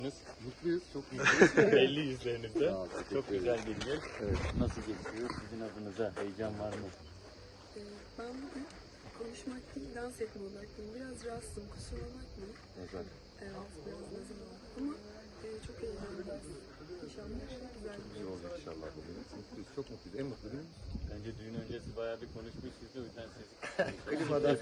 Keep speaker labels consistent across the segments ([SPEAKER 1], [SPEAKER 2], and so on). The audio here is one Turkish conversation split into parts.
[SPEAKER 1] Mutluyuz, çok mutluyuz.
[SPEAKER 2] Belli yüzlerinizde.
[SPEAKER 1] Sağ ol, teşekkür
[SPEAKER 2] Çok güzel
[SPEAKER 1] ederim.
[SPEAKER 2] geliyor.
[SPEAKER 1] Evet.
[SPEAKER 2] Nasıl geçiyor? Sizin adınıza heyecan var mı?
[SPEAKER 3] Ben bugün konuşmak değil, dans etme odaklıyım. Biraz rahatsızım, kusura bakmayın.
[SPEAKER 1] Nazar.
[SPEAKER 3] Evet, biraz nazım oldu. Ama çok eğleneceğiz. İnşallah güzel bir
[SPEAKER 1] İyi olacak inşallah bugün. Mutluyuz, çok mutluyuz. En mutlu günümüz.
[SPEAKER 2] Bence düğün öncesi bayağı bir konuşmuşsunuz. O yüzden siz
[SPEAKER 1] Elim adam.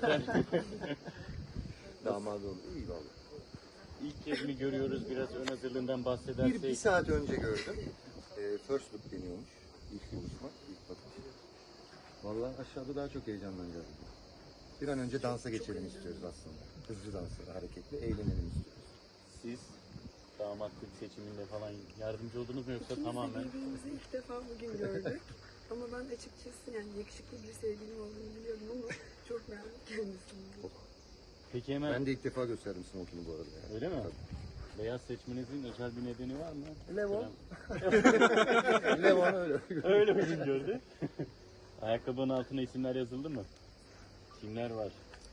[SPEAKER 1] Damadı oldu. İyi valla.
[SPEAKER 2] ilk kez mi görüyoruz? Biraz ön hazırlığından bahsedersek.
[SPEAKER 1] Bir saat önce gördüm. First look deniyormuş. İlk buluşma, ilk bakış. Valla aşağıda daha çok heyecanlanacağız. Bir an önce dansa geçelim istiyoruz aslında. Hızlı dansa, hareketli, eğlenelim istiyoruz.
[SPEAKER 2] Siz damatlık seçiminde falan yardımcı oldunuz mu yoksa
[SPEAKER 3] İkimiz
[SPEAKER 2] tamamen?
[SPEAKER 3] de birbirimizi ilk defa bugün gördük. Ama ben açıkçası yani yakışıklı bir sevgilim olduğunu biliyorum ama çok beğendim kendisini.
[SPEAKER 2] Peki hemen
[SPEAKER 1] Ben de ilk defa gösterdim smokini bu arada. Yani.
[SPEAKER 2] öyle mi?
[SPEAKER 1] Tabii.
[SPEAKER 2] Beyaz seçmenizin özel bir nedeni var mı?
[SPEAKER 1] Levon. Levon öyle.
[SPEAKER 2] Öyle uygun gördü. Ayakkabının altına isimler yazıldı mı? Kimler var?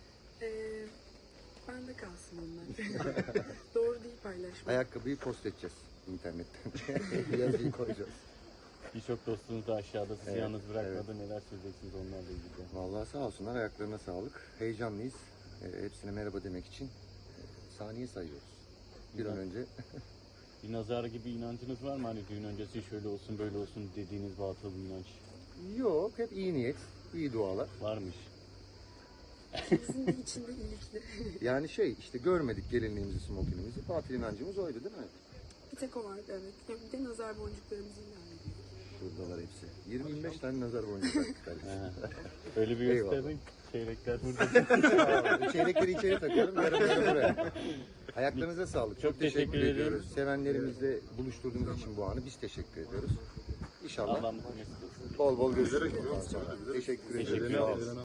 [SPEAKER 3] Bende kalsın onlar. Doğru değil paylaşmak.
[SPEAKER 1] Ayakkabıyı post edeceğiz internetten. Yazıyı koyacağız.
[SPEAKER 2] Birçok dostunuz da aşağıda sizi
[SPEAKER 1] Evet,
[SPEAKER 2] yalnız bırakmadı. Neler söyleyeceksiniz onlarla ilgili?
[SPEAKER 1] Vallahi sağ olsunlar, ayaklarına sağlık. Heyecanlıyız. Hepsine merhaba demek için saniye sayıyoruz. Bir an önce.
[SPEAKER 2] Bir nazar gibi inancınız var mı? Hani düğün öncesi şöyle olsun böyle olsun dediğiniz batıl bir inanç
[SPEAKER 1] Yok, hep iyi niyet, iyi dualar.
[SPEAKER 2] varmış.
[SPEAKER 3] İkimizin de içinde iyilikli.
[SPEAKER 1] Yani işte görmedik gelinliğimizi, smokinimizi. Batıl inancımız oydu değil mi?
[SPEAKER 3] Bir tek o vardı evet. Ya bir de nazar boncuklarımızı ilan ediyoruz.
[SPEAKER 1] Şuradalar hepsi. 20-25 tane nazar boncuğu taktık kardeşim.
[SPEAKER 2] Öyle bir
[SPEAKER 1] Eyvallah.
[SPEAKER 2] gösterin. Çeyrekler burada.
[SPEAKER 1] Sağ olun. Çeyrekleri içeri takıyorum, yarım buraya. Ayaklarınıza sağlık. Çok teşekkür
[SPEAKER 2] teşekkür ederim.
[SPEAKER 1] ediyoruz. Sevenlerimizle buluşturduğunuz için bu anı biz teşekkür ediyoruz. İnşallah
[SPEAKER 2] Allah mutlu mesut olsun.
[SPEAKER 1] bol bol gözlere. Teşekkür ederim. Sağ olun.